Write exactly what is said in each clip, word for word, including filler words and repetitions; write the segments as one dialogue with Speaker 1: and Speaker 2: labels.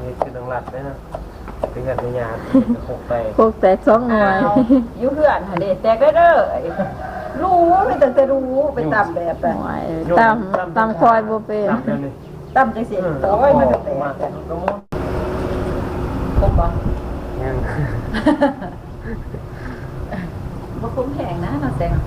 Speaker 1: คือดังหลัดได้นะเป็นกันในยาหกแตก
Speaker 2: หกแตกสองหน่วย
Speaker 3: ยุ่เพื่อนหาเด็แตกได้เด้อรู้ไม่แต่จะรู้ไปตามแบบแบบ
Speaker 2: ตามตามคอยบ่เป็น
Speaker 3: ตามใจเสียโอ้ยมันแตกคมบ่
Speaker 1: ยัง
Speaker 3: บ่คุ้มแข็งนะน้องแตง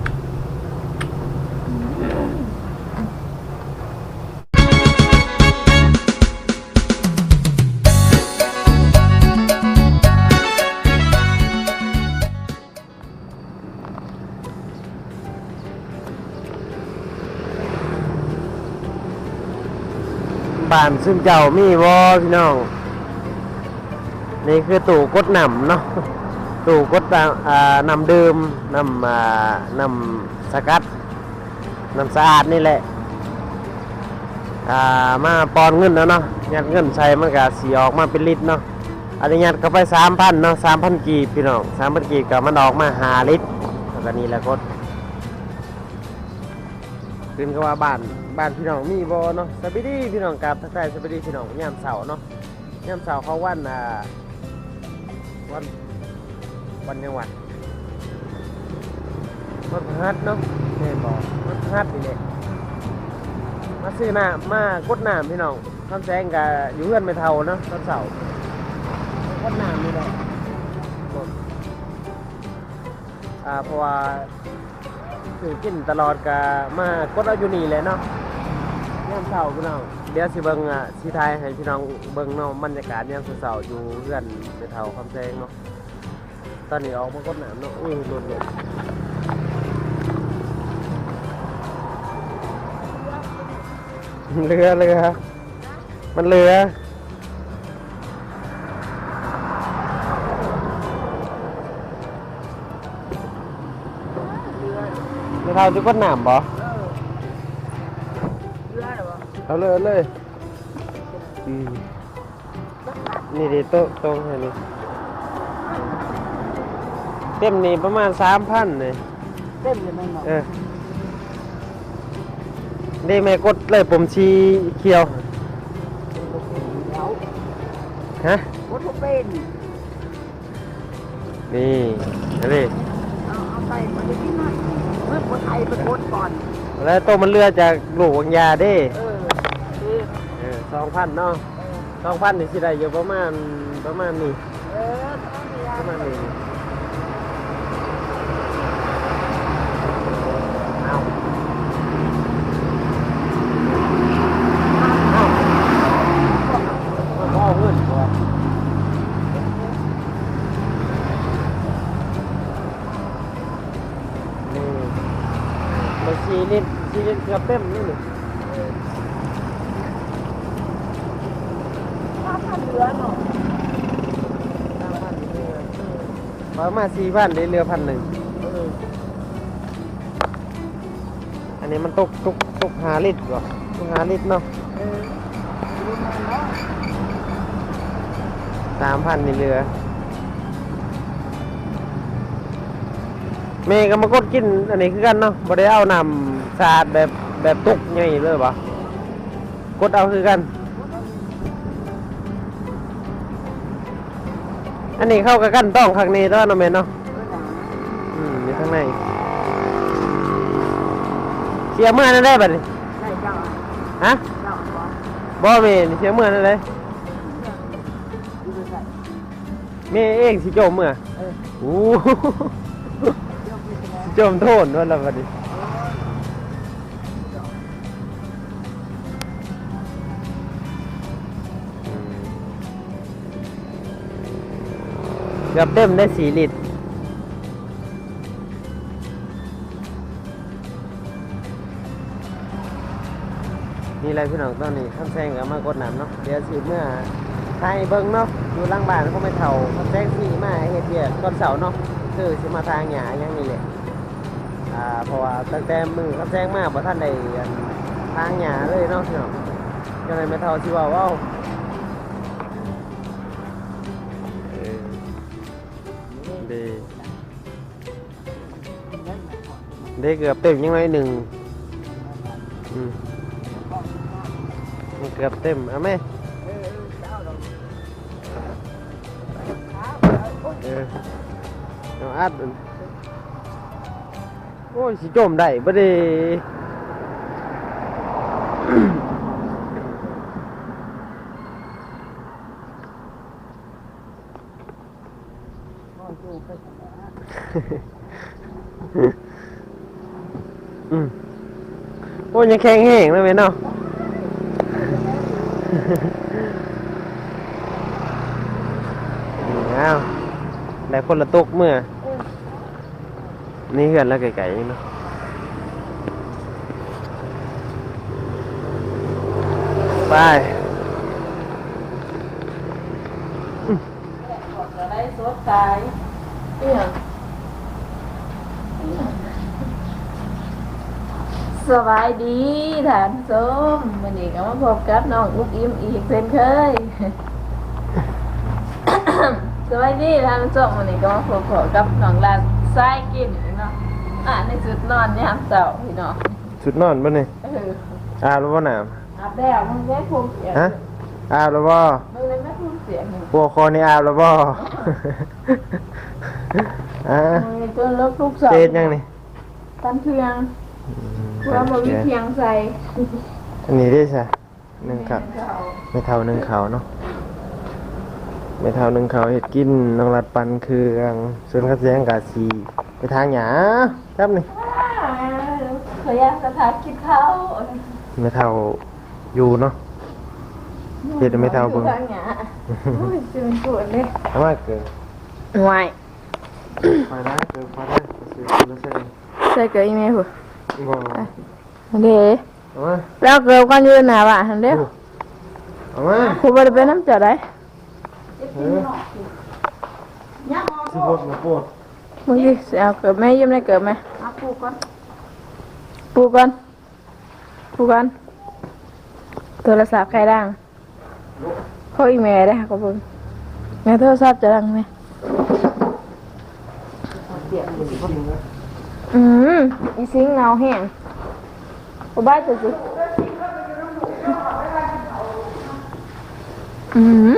Speaker 1: บ้านซึ่งเจ้ามีวอพี่น้องนี่คือตู้กดน้ำเนาะตู้กดน้ำดื่มน้ำน้ำสกัดน้ำสะอาดนี่แหละมาปอนเงินแล้วเนาะยัดเงินใส่มันก็สีออกมาเป็นลิตรเนาะอันนี้ยัดเข้าไปสามพันเนาะสามพันกีบพี่น้องสามพันกีบกับมันออกมาห้าลิตรแล้วก็นี่แหละกดขึ้นก็ว่าบ้านบ้านพี่น้องมีบ่เนาะสวัสดีพี่น้องกับทักทายสวัสดีพี่น้องยามเสาร์เนาะยามเสาร์เขาวันอ่าวันวันยังวันวันพฤหัสเนาะแม่บอกวันพฤหัสนี่แหละมาซื้อน้ำมากดน้ำพี่น้องข้ามแสงกับอยู่เพื่อนไม่เท่าเนาะตอนเสาร์กดน้ำนี่แหละอ่าเพราะว่าคือกินตลอดกะมากดเอาอยู่นี่เลยเนาะยามเช้าพี่น้องเดี๋ยวสิเบิ่งอ่ะสิทายให้พี่น้องเบิ่งเนาะบรรยากาศยามเช้าอยู่เพื่อนไปเท่าคำแซงเนาะตอนนี้ออกมากดน้ำเนาะอุ้ยหลุดเลยเรือเรือมันเรือไม่เท่าจะกดน้ำบ่เอาเลยเลยอืมนี่ดิโต๊ะตรงนี้เต็มนี่ประมาณสามพันเลย
Speaker 3: เต็มเลยมั้งเนาะ
Speaker 1: เออได้แม่กดเลยผมชีเขียวฮะ
Speaker 3: กดทุกเป็น
Speaker 1: นี่นี่
Speaker 3: เอาเอาไปมันจะกินหน่อยเมื่อคนไทยไปกดก่อน
Speaker 1: แล้วโตมันเรือจากลูกวังยาเด้
Speaker 3: เออ
Speaker 1: เออสองพันเนาะสองพันนี่สิได้อยู่ประมาณประมาณนี้
Speaker 3: เออ
Speaker 1: ประมาณนี้เอาเอาพ่อเพื่อนก่อนนี่มาซีลิตรซีลิตรเกือบเต็มนี่นี่
Speaker 3: เรือเนาะ
Speaker 1: ประมาณสี่พันได้เรือพันหนึ่งอันนี้มันตกตกตกหาลิตรก่อนตกหาลิตรเนาะสามพันนี่เรือเมย์ก็มากดกินอันนี้คือกันเนาะบ่ได้เอานำสาดแบบแบบตุกไงเลยปะกดเอาคือกันอันนี้เข้ากับกันต้องข้างในแล้วนะเมย์เนาะอืมอยู่ข้างในเสียเมื่อนั่นได้บัดนี้ฮะบ่เมย์เสียเมื่อนั่นได้เมย์เองสิโจมเมื่อโอ้โจมโทษว่าละบัดนี้เกือบเต็มได้สี่ลิตรนี่อะไรพี่น้องตอนนี้ข้ามแซงกับมากดน้ำเนาะเดี๋ยวสิเมื่อไทยเบิ้งเนาะอยู่ล่างบ้านเขาไม่เท่าข้ามแซงสี่มาเฮ็ดเบียดตอนเสาร์เนาะคือสิมาทางหยาอย่างนี้แหละอ่าเพราะว่าตั้งแต่มือข้ามแซงมาเพราะท่านได้ทางหยาเลยเนาะพี่น้องยังไงไม่เท่าที่ว่าว้าวดีได้เกือบเต็มยังไงหนึ่งอืมเกือบเต็มเอาไหมเออเอาอัดมันโอ้ยสิจมได้บ่ได้ อืมโอ้ยยังแข็งแห้งเลยเว้ยเนาะ อ้าวได้คนละตกเมื่อ นี่เหือนแล้วไก่ๆเนาะไป
Speaker 3: จะได้สดใสเอี่ยง
Speaker 2: สบายดีท่านผู้ชมวันนี้ก็มาพบกับน้องอุ๊บอิ่มอีกเช่นเคย สบายดีท่านผู้ชมวันนี้ก็มาพบกับน้องลานทรายกินเนาะอ่ะในจุดนอนยามเช้าพี่น้อง
Speaker 1: สุดนอนป่ะเนี่ย
Speaker 2: เออ
Speaker 1: อาบแล้วป่ะน้
Speaker 2: อาบแล้วมึงได้พูดเสียง
Speaker 1: ำฮะอาบแล้วป่ะ
Speaker 2: มึงเลยไม่พูดเสียง
Speaker 1: พวกคอนี่อาบแล้วป่ะ อ่ะ
Speaker 2: มึงจนลบลูกสาว
Speaker 1: เจดยังนี่
Speaker 2: ตันเพียงเพื่อมาวิเพียงใส่
Speaker 1: อันนี้ได้ใช่หนึ่งครับไม่เท่าหนึ่งเขาเนาะไม่เท่าหนึ่งเขาเห็ดกินน้องรัดปันคืออังส่วนกระเสียงกาสีไปทางหยาครับนี่
Speaker 2: ขออยากสถานกินข้าว
Speaker 1: ไม่เท่าอยู่เนาะเห็ดไม่เท่าเบิ่ง
Speaker 2: ทางหยาโอ้ยจะเป็นปวดเลย
Speaker 1: ทำไมเกิน
Speaker 2: ห่วย
Speaker 1: ไฟได้เกินไฟได้ไปซื้อคนละเส้น
Speaker 2: ใส่เกลืออีเมลหัว
Speaker 1: บ่
Speaker 2: เด้
Speaker 1: เอามา
Speaker 2: แล้วเกลือกันยืนหนาว่ะหันเด้
Speaker 1: เอามา
Speaker 2: ครูบริเป็นน้ำจ่อได้
Speaker 1: เออสิบดมาปวด
Speaker 2: มึงดิเอาเกลือแม่ยิ้มได้เกลือไหม
Speaker 3: มาปลูกก่อน
Speaker 2: ปูก่อนปูก่อนโทรศัพท์ใครดังเขาอีเมลได้ค่ะขอบคุณแม่โทรศัพท์จะดังไหม
Speaker 3: เสียง
Speaker 2: อืมอีซิงเงาแห้งกูบ้าจุดสิอืม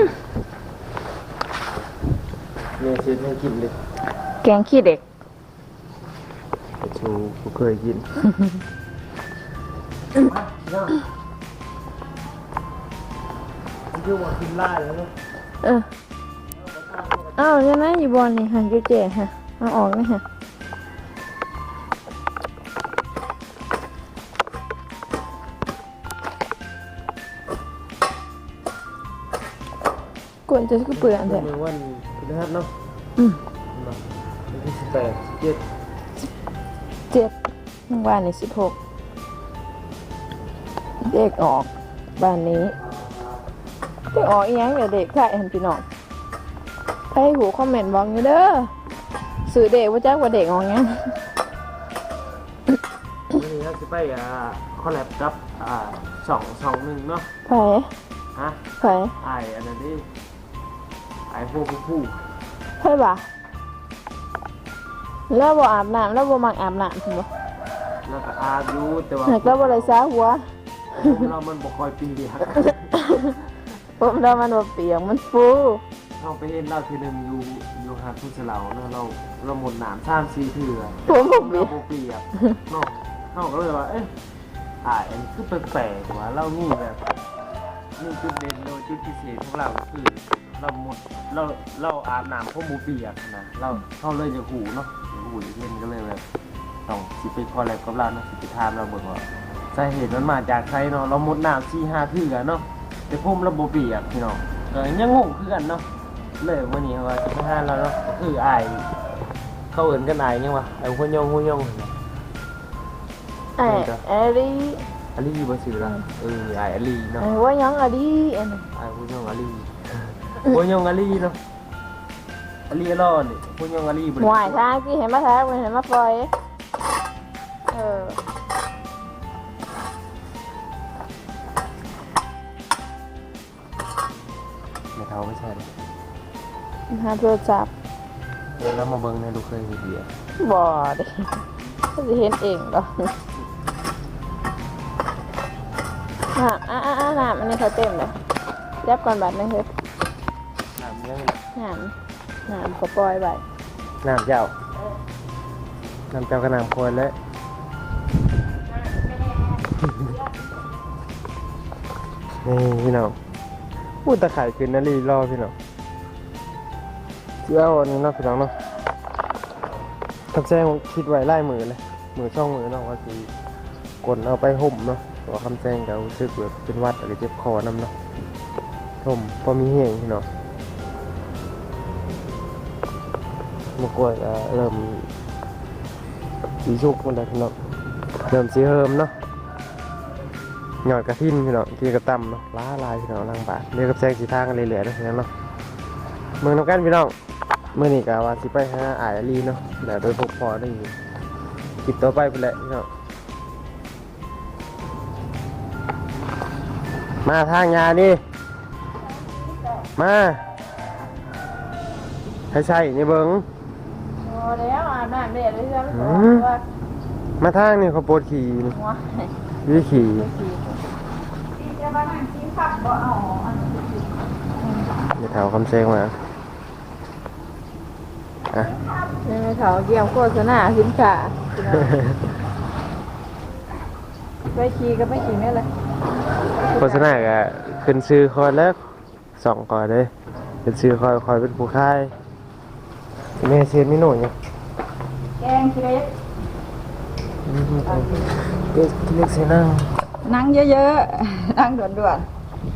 Speaker 1: เนี่ยเช็ดให้กินเลย
Speaker 2: แกงขี้เด็ก
Speaker 1: แต่ชูกูเคยกินคือว่ากินล่าแล้วเนาะ
Speaker 2: เอออ้าวยังไงอยู่บอลนี่หันจุเจ๋ฮะเอาออกนี่ฮะกวนจะก็เปลือก
Speaker 1: วัน
Speaker 2: แต่
Speaker 1: นี้วันพฤหัสเนาะ
Speaker 2: อืม
Speaker 1: วันที่สิบแปดสิบเจ็ด
Speaker 2: เจ็ดบ้านนี่สิบหกเด็กออกบ้านนี้เด็กออกอีหยังเดี๋ยวเด็กใครเห็นพี่น้องใครหูคอมเมนต์บอกอยู่เด้อสื่อเด็กว่าจ้าว่าเด็กออกหยัง
Speaker 1: วันนี้เราจะไปอ่าคอลแลบกับอ่าสองสองหนึ่งเนาะ
Speaker 2: ไผ
Speaker 1: ฮะ
Speaker 2: ไผ
Speaker 1: ไออันนั้นดิไอพวกผู้ผู้
Speaker 2: ไผบ่ะแล้วบ่อาบน้ำแล้วบ่มักอาบน้ำพุ่นบ่
Speaker 1: แล้วก็อาบอยู่แต่ว่า
Speaker 2: หากแล้วบ่ได้ซาหัว
Speaker 1: เรามันบ่คอยปีเดียว
Speaker 2: ผมเรามันบ่เปียกมันฟู
Speaker 1: เราไปเห็นเราทีหนึงอยู่อยู่หาดทุ่งเสลาเนาะเราเราหมดหนามสามสี่เถื่อ
Speaker 2: ผมบ่เปี
Speaker 1: เรา
Speaker 2: ยก
Speaker 1: บ่เปียกเนาะเราก็เลยว่าเอ๊ะอ่าอันนี้คือแปลกๆว่าเรานี่แบบนี่จุดเด่นโดยจุดพิเศษของเราคือเราหมดเราเราอาบน้ำเพราะบ่เปียกนะเราเขาเลยจะหูเนาะหูเย็นก็เลยแบบต้องสิไปคอลแลบกับเราเนาะสิไปถามเราเบิ่งว่าสาเหตุมันมาจากใครเนาะเราหมดน้ำสี่ห้าเถื่อเนาะแต่ผมเราบ่เปียกพี่น้องก็ยังงงคือกันเนาะเลยวันนี้ว่าจะมาหาเราเนาะคืออายเขาเอิ้นกันอายยังวะไอ้หัวยองหัวยอง
Speaker 2: ไอ้ไอ้ดิ
Speaker 1: อาลีบ่ชื่อละเอออายอาลีเนาะ
Speaker 2: ไอ้ว่าหยังอะดิอันนั้น
Speaker 1: อายหัวยองอาลีหัวยองอาลีเนาะอาลีรอดนี่หัวยองอาลีบ่
Speaker 2: หวายทางที่เห็นมาทางเห็นมาปล่อยเออ
Speaker 1: ไม่เท่าไม่ใช่เลย
Speaker 2: หาโทรศัพท์
Speaker 1: เดี๋ยวเรามาเบิ่งในดูเคยเห็นเดียว
Speaker 2: บ่เด้ก็จะเห็นเองดอกน้ำอ่ะอ่ะอ่ะน้ำอันนี้เขาเต็มเลยยับก่อนบาทหนึงเฮ้ย
Speaker 1: ถามยัง
Speaker 2: น้ำน้ำก็ปล่อยไว้
Speaker 1: น้ำเจ้าน้ำเจ้าก็น้ำคนแล้วนี่พี่น้องพูดตะไคร่ขึ้นนาลีรอพี่น้องเจ้าอันนี้เนาะพี่น้องเนาะทำแซงคิดไว้ไล่มือเลยมือช่องมือเนาะว่าสิกดเอาไปห่มเนาะตัวคำแซงก็รู้สึกแบบเป็นหวัดอะไรเจ็บคอน้ำเนาะห่มพอมีแห้งพี่น้องมะกรูดก็เริ่มสีชุกมันได้พี่น้องเริ่มสีเฮิมเนาะหยอดกระทินพี่น้องกีกระตำเนาะล้าลายพี่น้องล่างบาทเรียกกับแซงสีทางกันเลยเหลือๆนะพี่น้องเนาะเมืองน้ำกันพี่น้องเมื่อนี้กะว่าสิไปหาอายอาลีเนาะเดี๋ยวโดยพวกพอได้อยู่คลิปต่อไปไปเลยพี่น้องมาทางยานี่มาให้ใช่นี่เบิ้ง
Speaker 2: พอแล้วอาบน้ำเด็ดเลยใช่ไหม
Speaker 1: อืม มาทางนี่เขาปวดขี่นี่
Speaker 2: หัว
Speaker 1: วิขี่
Speaker 3: จะมานั่งกินผักบ่เอาอันนี้
Speaker 1: เดี๋ยวแถวคำเซงมาอ่ะ
Speaker 2: นี่ไม่เขาเกี่ยวโฆษณาสินค้าไปขี่ก็ไปขี่นี่เลย
Speaker 1: โฆษณาก็ขึ้นซื้อคอยแล้วสองคอยเลยขึ้นซื้อคอยคอยเป็นผู้ค่ายแม่เชียนไม่หน่อยเนี่ย
Speaker 3: แกงขี้เล็ก
Speaker 1: อืมเด็กเล็กเสียนั่ง
Speaker 3: นั่งเยอะๆนั่งด่วน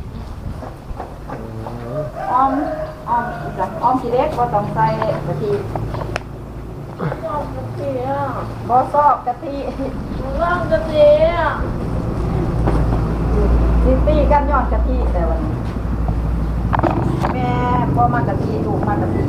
Speaker 3: ๆอ้อมอ้อมอีกละอ้อมขี้เล็กบ่ต้องใส่กะทิ
Speaker 2: ลองกะทิอ่ะ
Speaker 3: บ่ซอกกะทิ
Speaker 2: ลองกะทิอ่ะ
Speaker 3: สิตีกันยอดกะทิแต่วันนี้แม่บ่มากะทิลูกมากะทิ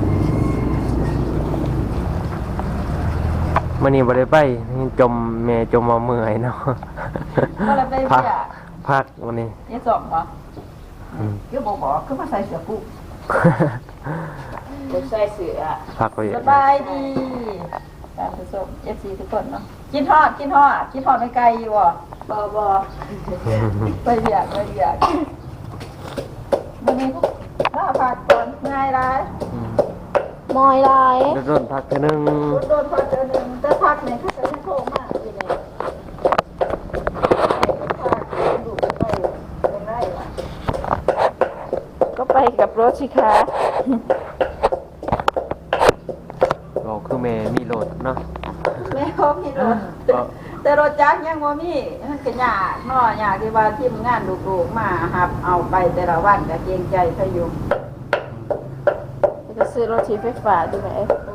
Speaker 1: มันนี่บ่ได้ไปจมแม่จมมาเมื่อยเนาะ
Speaker 3: ก็เลยไป
Speaker 1: พัก
Speaker 3: เบี้ย
Speaker 1: พักวันนี้
Speaker 3: ยี่สองเหรอ
Speaker 1: อืม
Speaker 3: คือบอกบอกคือมาใส่เสื้อปุ๊บ
Speaker 2: เด็กใส่เสือ
Speaker 1: พักไป
Speaker 3: สบายดีการผสมเอฟซีทุกคนเนาะกินทอดกินทอดกินทอดไม่ไกลอยู่บ่บ่บ่ไปเบียกไปเบียกวันนี้พวกถ้าผักก่อนง่ายได้
Speaker 2: มอยลาย
Speaker 1: โดนพักแค่นึง
Speaker 3: โดนผักเจอหนึ่งแต่ผักเนี่ยเขาจะไม่โทษมากเลยเนี่ยผักดูไปเป็นไรวะ
Speaker 2: ก็ไปกับรถสิคะ
Speaker 1: บอกคือแม่มีโหลดเนาะ
Speaker 3: แม่เขามีรถแต่รถจักรยังบ่มีมันก็ยากเนาะยากที่ว่าทีมงานลูกๆมาหับเอาไปแต่ละวันก็เกรงใจเขาอยู่
Speaker 2: จะซื้อรถทีไฟฟ้าดูไหม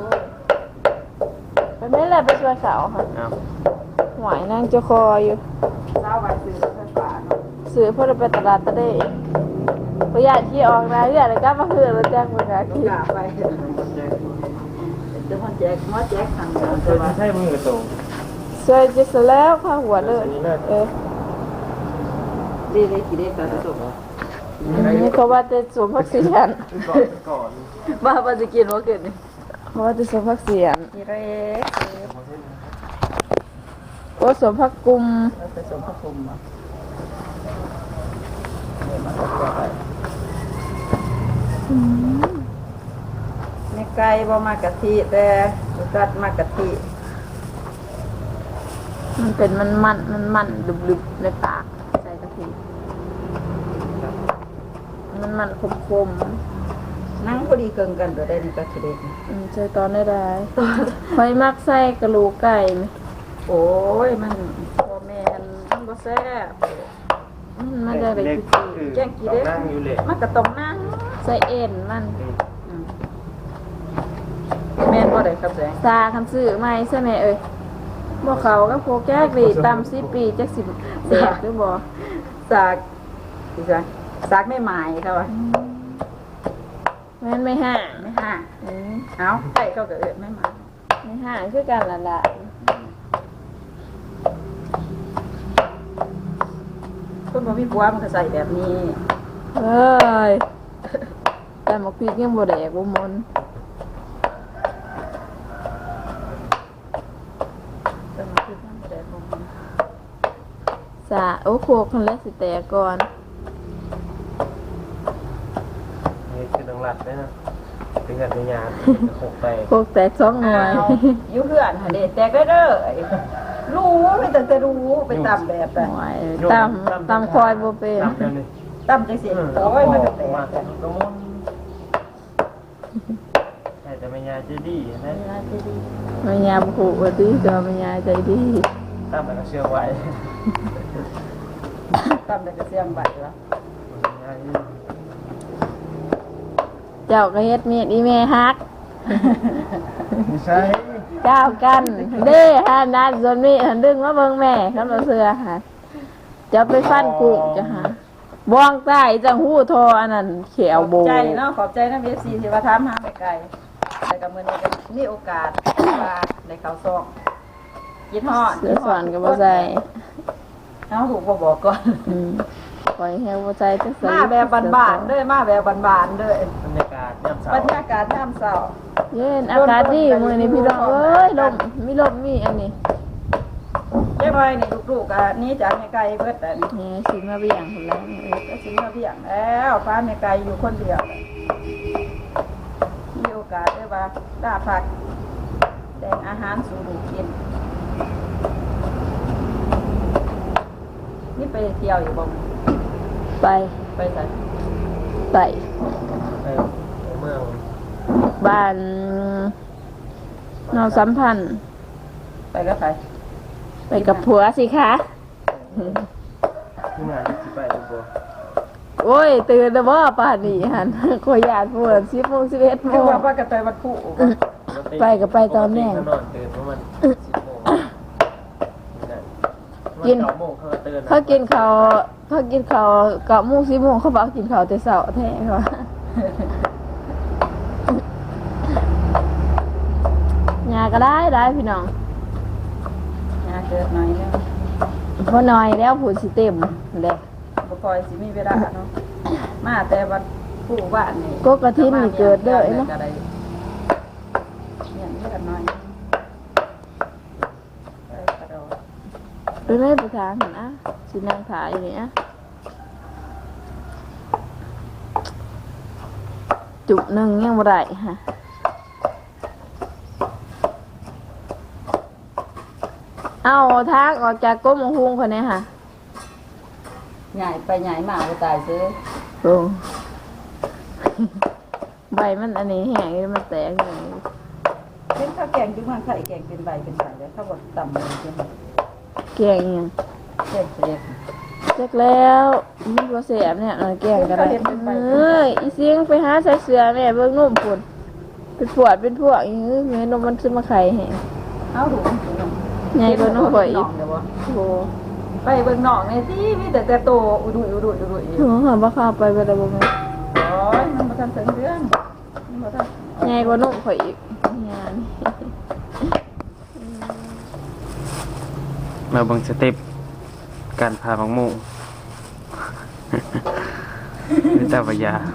Speaker 2: ไปไม่แหละไปช่วยเขาค่ะ
Speaker 1: เอา
Speaker 2: หวายนั่งจะคออยู่
Speaker 3: เช้าวันซื้อรถไฟฟ้าเนาะ
Speaker 2: ซื้อเพื่อไปตลาดตะเด้ประหยัดที่ออกนะประหยัดแล้วก็มาคืนรถแจ้งมือนะ
Speaker 3: ลูก
Speaker 2: คิด
Speaker 3: กาไปเดี๋ยวมันแจกหมอแจกทางเดิน
Speaker 1: เค
Speaker 3: แต่
Speaker 1: ย
Speaker 3: ว่า
Speaker 1: ใช่มือโต
Speaker 2: สวยจะเสร็จแล้วข้าหัวเลยเออ
Speaker 3: ดีเลยกี่เด็กแต่จบ
Speaker 2: นี่เขาว่าจะสวมพักเสียน
Speaker 1: ก่อนก่อน
Speaker 3: บ้าบ้าจะกินว่าเกิดนี่
Speaker 2: เขาว่าจะสวมพักเสียน
Speaker 3: กี่เล็ก
Speaker 2: โอ้สวมพักกุม
Speaker 3: เราไปส่งพระพรหมอ่ะในไก่บ่มากะทิแต่ลูกกัดมากะทิ
Speaker 2: มันเป็นมันมันมันมันดึบๆในปากใส่กะทิมันมันคมคม
Speaker 3: นั่งพอดีเกินกันตัวได้นี่ก็กี่เด็ก
Speaker 2: ๆอืมใส่ตอนได้ได้ไฟมักใส่กระโหลกไก่ไหม
Speaker 3: โอ้ยมันพ่อแม่นมันบ่แซ่บ
Speaker 2: มันมันจะได้
Speaker 1: เล็ก
Speaker 2: คือ
Speaker 1: คือ
Speaker 3: แกงกี่เด็ก
Speaker 1: นั่งอยู่เลย
Speaker 3: มันก็ต้องนั่ง
Speaker 2: ใส่เอ็นมัน
Speaker 3: อืมแม่นบ่ได้ครับแสง
Speaker 2: ซาคันซื้อไหมใช่ไหมเอ้ยบ่เขาก็โคแก้กรีตำสิปีจักสิบแสบหรือบ่
Speaker 3: สากดิฉันสากไม่หมายครับว่า
Speaker 2: แม่นไม่ห่าง
Speaker 3: ไม่ห่าง
Speaker 2: อืม
Speaker 3: เอ้าไก่เขาก็เอิ้นไม่หมาย
Speaker 2: ไม่ห่างคือกันล่ะล่ะ
Speaker 3: คนบ่มีผัวมันก็ใส่แบบนี้
Speaker 2: เฮ้ยแต่หมกพริกยังบ่แดกบ่มน
Speaker 3: แต่มันคือมันบ่ได้ของมัน
Speaker 2: สาโอ้โคกคันแล้วสิแตกก่อน
Speaker 1: นี่คือดังหลัดนะเป็นกันเป็นยาหกไป
Speaker 2: โคกแตกสองหน่วย
Speaker 3: อ้าวอยู่เพื่อนหั่นเด้แตกได้เด้อรู้ไม่แต่จะรู้ไปตามแบบอะ
Speaker 2: หน่วยตำตำคอยบ่เป็น
Speaker 1: ตามกันเลย
Speaker 3: ตามจังซี่โอ้ยมันก็แตก
Speaker 1: มา
Speaker 3: แต่
Speaker 1: ตรงนู้นแต่จะเป็นยาเจดีนะ
Speaker 2: แม่ยามขู่ว่าดีก็แม่ยายใจดี
Speaker 1: ตามแต่ก็เชื่อไว้
Speaker 3: ตามแต่ก็เสียงบัดวะ
Speaker 2: เจ้าก็เฮ็ดเมียดอีแม่ฮัก
Speaker 1: ไม่ใช่
Speaker 2: เจ้ากันเด้ฮานัดส่วนนี้หันดึงมาเบิ่งแม่คันบ่เชื่อหาจะไปฟันกุ้งจะหาบ้องใต้จังหู้ทออันนั้นเขียวโบ
Speaker 3: ขอบใจเนาะขอบใจนะ เอฟ ซี ที่ว่าถามหาไปไกลแต่ก็มื้อนี้ก็มีโอกาสว่าได้เข้าซองกินฮอด
Speaker 2: เสื้อสอนก็บ่ใส่
Speaker 3: เอ้าถูกบ่บอกก่อน
Speaker 2: อืมปล่อยให้บ่ใส่จังซั่น
Speaker 3: มาแบบบ้านๆเด้อมาแบบบ้านๆเด้อบ
Speaker 1: รรยากาศยามเช้า
Speaker 3: บรรยากาศยามเช้า
Speaker 2: เย็นอากาศดีมื้อนี้พี่น้องเอ้ยลมมีลมมีอันนี้
Speaker 3: เจ้าน้อยนี่ลูกๆอ่ะหนี้จากแม่ไก่เบิดแต่นี่
Speaker 2: นี่สิมาเบี่ยงพุ่นแล้วนี่เอ้ย
Speaker 3: ก็สิมาเบี้ยงแล้วฟ้าแม่ไก่อยู่คนเดียวมีโอกาสได้ว่าได้ผักแดงอาหารสู่ลูกกินนี่ไปเที่ยวอยู่บ่
Speaker 2: ไป
Speaker 3: ไปไส
Speaker 2: ไป
Speaker 1: ไปเมือง
Speaker 2: บ้านนอกสัมพันธ์
Speaker 3: ไปก็ไป
Speaker 2: ไปกับผัวสิคะ
Speaker 1: ที่งานที่ไปดูบ่
Speaker 2: โอ้ยตื่นแล้วบ่ป่านนี้หันขอยญาติผัวสิบโมงสิบเอ็ดโม
Speaker 3: คือง ว่าว่ากันไปวันคู่
Speaker 2: ไปก็ไปตอนแรก
Speaker 1: นอนตื่นประมาณสิบโมง
Speaker 2: กิน
Speaker 1: เก้าโมงเขาก็ตื่น
Speaker 2: เขากินข้าวเขากินข้าวเก้าโมงสิบโมงเขาบอกกินข้าวแต่เช้าแท้ค่ะยาก็ได้ได้พี่น้อง
Speaker 3: งานเกิดหน่อยนึง
Speaker 2: พอหน่อยแล้วผู้สิเต็มเลย
Speaker 3: บ่คอยสิมีเวลาเนาะมาแต่วันคู่บ้านนี่
Speaker 2: ก็กระทินนี่เกิดเด้อเนาะ
Speaker 3: ก็ได้เนี่ยเลือดหน่อยไปกระโดด
Speaker 2: ไปไม่ไปทางเห็นอ่ะสินางถ่ายอยู่นี่อ่ะจุบหนึ่งยังบ่ได้ฮะเอาทางออกจากก้มหงหุงคนนี้ค่ะ
Speaker 3: ใหญ่ไปใหญ่มาบ่ตายซื้อ
Speaker 2: โอ้ใบมันอันนี้แห้งมันแตกอย่างนี้
Speaker 3: เป็นข้าวแกงจุ่มมันไข่แกงเป็นใบเป็นใบแล้วข้าวบดต่ำเลยใช่ไหม
Speaker 2: แกงอิหยัง
Speaker 3: เจ็บเจ็บ
Speaker 2: เจ็กแล้วมันบ่แสบเนี่ยเออแกงก็ได้เอ้ยอีเสียงไปหาใส่เสื้อแม่เบิ่งนุ่มพุ่นเป็นปวดเป็นพวกอีแม่นมมันขึ้นมาไข่แห้ง
Speaker 3: เอาดู
Speaker 2: ใหญ่กว่าน้องข่อยอีก
Speaker 3: เดี๋ยวบ่
Speaker 2: โอ้
Speaker 3: ไปเบิ่งหนองในที่มีแต่แต่โตอุดุยอุดุยอุดุยอยู่
Speaker 2: โหหาบ่เข้าไปบ่ได้บ่แม่
Speaker 3: โอ้ยมันบ่ทันถึงเรื่องมันบ่ทัน
Speaker 2: ใหญ่กว่าน้องข่อยอีกงาน
Speaker 1: มาเบิ่งสเต็ปการพาบังโมไม่ทราบว่ายา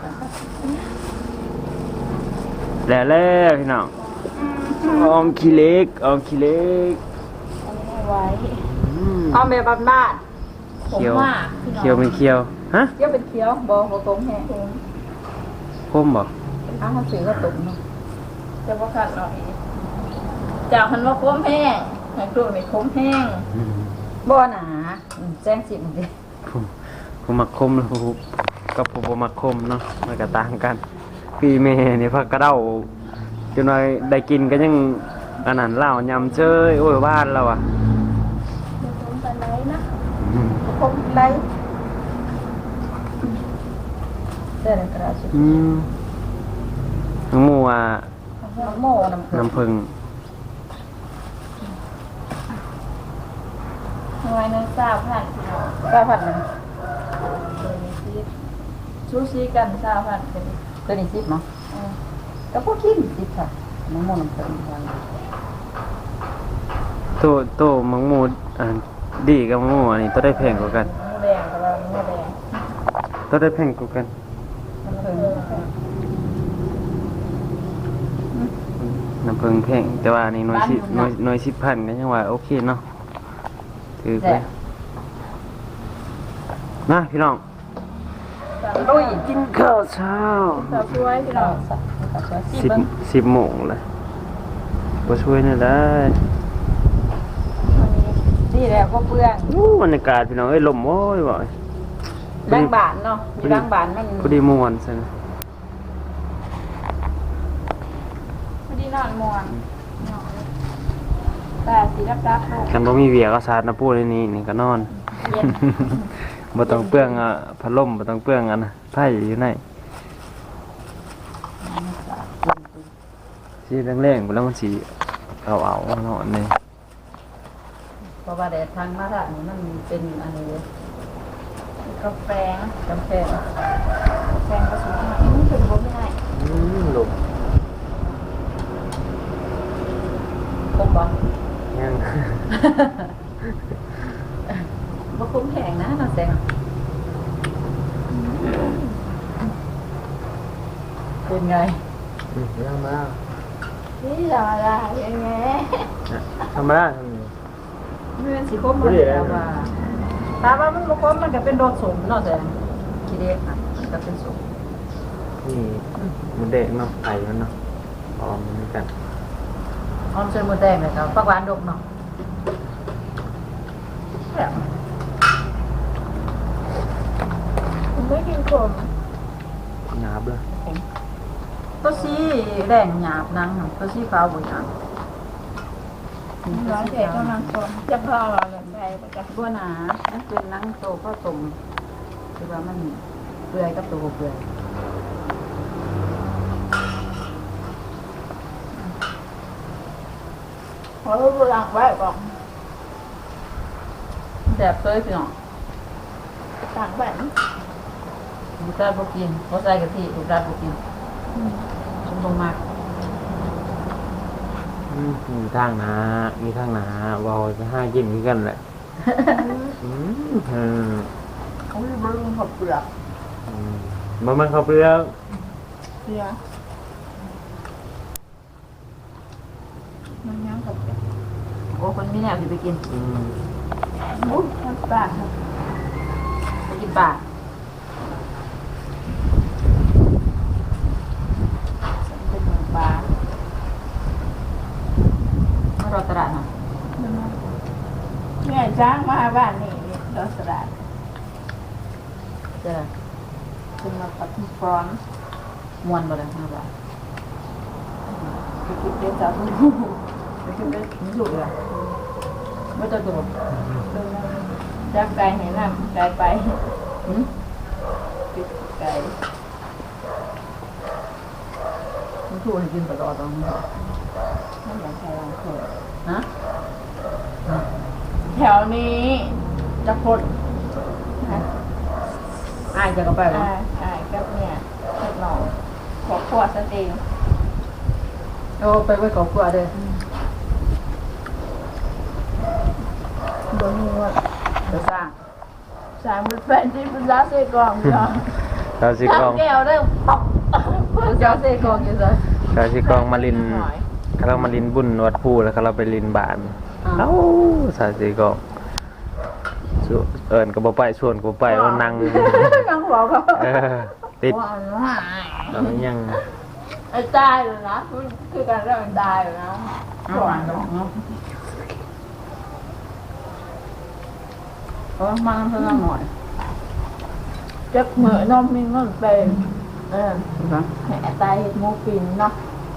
Speaker 1: แล้วแล้วพี่น้องออมขี้เล็กออมขี้เล็ก
Speaker 2: ไว้
Speaker 1: อืม
Speaker 3: เอาแบบบ้าน
Speaker 1: เคี้ยวเคี้ยวเป็นเคี้ยวฮะ
Speaker 3: ๆเคี้ยวเป็นเคี้ยวบ่บ่ตรงแห้ง
Speaker 1: คมบ่
Speaker 3: อ้าวเขาซื้อก็ตุ่มเนาะ
Speaker 2: จะบ่คัดหน่อยจากมันว่าคมแห้งให้ครูนี่คมแห้ง
Speaker 1: อืม
Speaker 3: บ่หนาอืมแจ้งสิมันดิ
Speaker 1: ผมผมมักคมแล้วผมกับผมบ่มักคมเนาะมันก็ต่างกันพี่แม่นี่พักกระเด้าจนว่าได้กินก็ยังอันนั้นเหล้ายำเชยโอ้ยบ้านเราอ่ะ
Speaker 2: คมปานไหนนะ
Speaker 1: อืม
Speaker 3: คมไรเด้อกระดาษ
Speaker 1: อืมน้องหมูอ่ะ
Speaker 3: น้ำโม่น้ำผึ้ง
Speaker 1: น้ำผึ้ง
Speaker 2: หน่วยหนึงสามพันพี่น้อง
Speaker 3: เก้าพันหนึ่ง
Speaker 2: ตัวนี้สิชูชีกันสามพันเป็น
Speaker 3: ตัวนี้สิบเนาะก็พวกกินสิบค่ะน้ำโม่น้ำผึ้งวัน
Speaker 1: โตโตมังหมูอ่าดีกับมังหมูอันนี้ตัวได้แพงกว่ากัน
Speaker 2: หมูแดงกับว่าหมูแดง
Speaker 1: ตัวได้แพงกว่ากัน
Speaker 3: น้ำผึ้ง
Speaker 1: น้ำผึ้งแพงแต่ว่าอันนี้หน้อยสิหน้อยหน้อยสิบพันก็ยังว่าโอเคเนาะถือไปนะพี่น้อง
Speaker 3: ลุย
Speaker 1: กินข้าวเช้า
Speaker 2: สาวช่วยพี่น้อง
Speaker 3: เก็จะสิ
Speaker 1: สิบ
Speaker 3: เบิ่ง
Speaker 1: สิบโมงเลยบ่ช่วยนี่ได้
Speaker 3: วันนี้ดีแล้วบ่เปลือง
Speaker 1: อู้บรรยากาศพี่น้องเอ้ยลมโอ้ยบ่อย
Speaker 3: ล้างบานเนาะอยู่ล้างบานมัน
Speaker 1: พอดีม่วนซั่น
Speaker 3: พอดีนอนม่วนนอนแต่สิรับๆลง
Speaker 1: กันบ่มีเวียก็สาดน้ำปูในนี้นี่ก็นอน
Speaker 3: เย็น
Speaker 1: บ่ต้องเปลืองอ่ะพัดลมบ่ต้องเปลืองอันนะไผอยู่ในสิแรงๆบ่แล้วมันสิเอาเอาๆนอนนี่
Speaker 3: เพราะว่าแดดทางมาทางนี้มันเป็นอันนี้กาแฟกาแฟกาแฟก็สูงมากมันถึงบ่ไม่ได้
Speaker 1: อืมลม
Speaker 3: คมบ่
Speaker 1: ยัง
Speaker 3: บ่คุ้มแข็งนะน้าแสงเป็นไง
Speaker 1: อืมยังมา
Speaker 3: นี่ธรรมดาอย่างไง
Speaker 1: ธรรมดา
Speaker 3: เมื่อสิคมมันแล้วว่าตาว่ามันบ่คมมันก็เป็นโรคสมเนาะแต่คิดเด็กอ่ะมันก็เป็นสม
Speaker 1: นี่มันเด็กเนาะไผมันเนาะพร้อมเหมือนกัน
Speaker 3: ออมเส้นหมูแดงเลยครับปักหวานดกเนาะแบบผมไม่กินขม
Speaker 1: หยาบเลย
Speaker 3: ตัวสีแดงหยาบนังตัวสีขาวบ่หยาบ
Speaker 2: ร้านเด็กกำลังชมจะพอเราแบบใดประจักษ์
Speaker 3: บัวหนานั่นเป็นนังโตก็ตมคือว่ามันเปื่อยกับตัวบ่เปื่อย
Speaker 2: ขอรู้หลังไว้บอก
Speaker 3: แซ่บเต้ยพี่น้อง
Speaker 2: ต่างแบบ
Speaker 3: ลูกชายบ่กินบ่ใส่กะทิลูกชายบ่กินฉันบ่มัก
Speaker 1: อืมมีทางหนามีทางหนาเว้าจะห้ากินคือกันแหละอืมเออ
Speaker 2: เขาไม่รู้เรื่องขอบเปลือก
Speaker 1: อืมบ่มันเข้าเปลือก
Speaker 2: เสียมันยังขอบเปลือก
Speaker 3: โอ้คนมีแนวสิไปกิน
Speaker 1: อืม
Speaker 2: อุ้ยน้ำตาลครับ
Speaker 3: ไปกินปลาเป็นหมูปลามารอตลาดเนาะ
Speaker 2: เนี่ยจ้างมาบ้านนี่ดอสลัด
Speaker 3: เจะได้
Speaker 2: เป็นมาปัดฟรอน
Speaker 3: ม่วนบ่ได้ห้าบาท
Speaker 2: ไปกินเป็นสาวผู้
Speaker 3: ไปกินได้มีถูกเลยไม่ต้องตัว
Speaker 2: จ้างไก่ให้น้ำไก่ไป
Speaker 3: หืม
Speaker 2: ปิดไก่
Speaker 3: มีถูกให้กินตลอดตรงนี้
Speaker 2: ไม่อยากใช้ลองเถอะ
Speaker 3: ฮะ
Speaker 2: แถวนี้จะพดนะ
Speaker 3: อ้ายจะก็ไปบ่
Speaker 2: อ่าอ่ากับเนี่ยเล็กน้องขอขวดสเต็ง
Speaker 3: โอ้ไปไว้กับครัวเด้อ
Speaker 2: บนหัว
Speaker 3: เดี๋ยวสร้าง
Speaker 2: สามเป็นแฟนที่เป็นร้านเซกองเนาะ
Speaker 1: เราสิกอง
Speaker 2: แก้วได้ปอก
Speaker 3: เดี๋ยวเจ้าเซ่กองอยู่ซะ
Speaker 1: เราสิกองมาลินเรามาลินบุญวัดภูแล้วก็เราไปลินบานเอ้าสาสิกองส่วนเอิ้นก็บ่ไปชวนก็บ่ไปว่านั่ง
Speaker 2: ยังบอกเขา
Speaker 1: เออติด
Speaker 2: ว่า
Speaker 1: เรายัง
Speaker 2: ไอ้ตายเลยนะคือการเรื่องตายเลยนะ
Speaker 3: เอาหวานเนาะเนาะเออมาทำเพิ่มหน่อย
Speaker 2: จะเหมือนน้องมินมันเป็นเออ
Speaker 3: ครับ
Speaker 2: ให้ตายเห็ดโมฟินเนาะ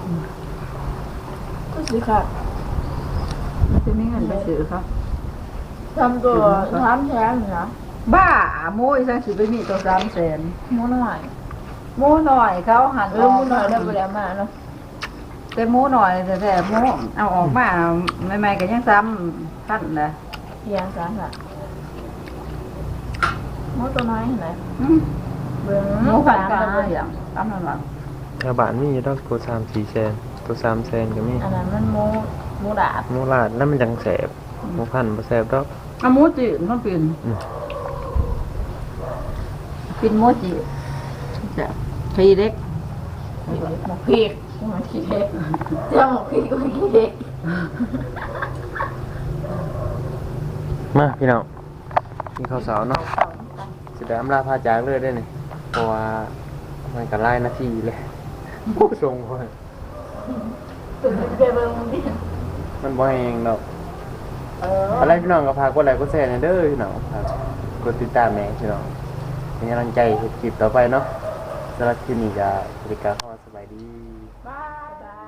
Speaker 2: ก็สิค่ะ
Speaker 3: จะมีเงินไปซื้อครับ
Speaker 2: ทำตัวทำแท้งนะ
Speaker 3: บ้าโม้ยสังสิไปมีตัวสามแสน
Speaker 2: โมหน่อย
Speaker 3: โม้หน่อยเขาหัน
Speaker 2: เออโมหน่อยได้ไปแล้วมาเนาะ
Speaker 3: แต่โม้หน่อยแต่แต่โม้เอาออกมาใหม่ๆก็ยังซ้ำขั้นเลย
Speaker 2: เพียงสามค่ะโมตัวน้อยเห็นไหม เบิ่ง
Speaker 3: โม้ผัดกา
Speaker 2: สาม
Speaker 3: รอย่างตามนั้นหรอ
Speaker 1: ชาวบ้านมีอยู่ดอกตัวสามสี่แสนตัวสามแสนก็มี
Speaker 2: อันนั้นมันโมโมดาบ
Speaker 1: หมูลาดนั่นมันจังแสบหมูพันธุ์บ่แสบดอก
Speaker 3: เอาโม้จีนเขาเป็น
Speaker 1: อืม
Speaker 3: เป็นโม้จีนจะทีเล็ก
Speaker 2: หมกพริกหมกขี้เด็กเจ้าหมกพริกก็ขี้เด็ก
Speaker 1: มาพี่น้องกินข้าวเสาเนาะสิได้อำลาพาจากเลยได้อนี่เพราะว่ามันก็หลายนาทีเลยผู้ทรงคน
Speaker 3: ตื่นไปเบิ่งมึงดิ
Speaker 1: มันบ่แห้งดอก
Speaker 3: เออ
Speaker 1: อะไรพี่น้องก็พากกดไลค์กดแชร์หน่อยเด้อพี่น้องฝากกดติดตามแม่พี่น้องเป็นกำลังใจให้คลิปต่อไปเนาะสำหรับคลิปนี้ก็บริการเข้ามาสบายดี
Speaker 3: บายบาย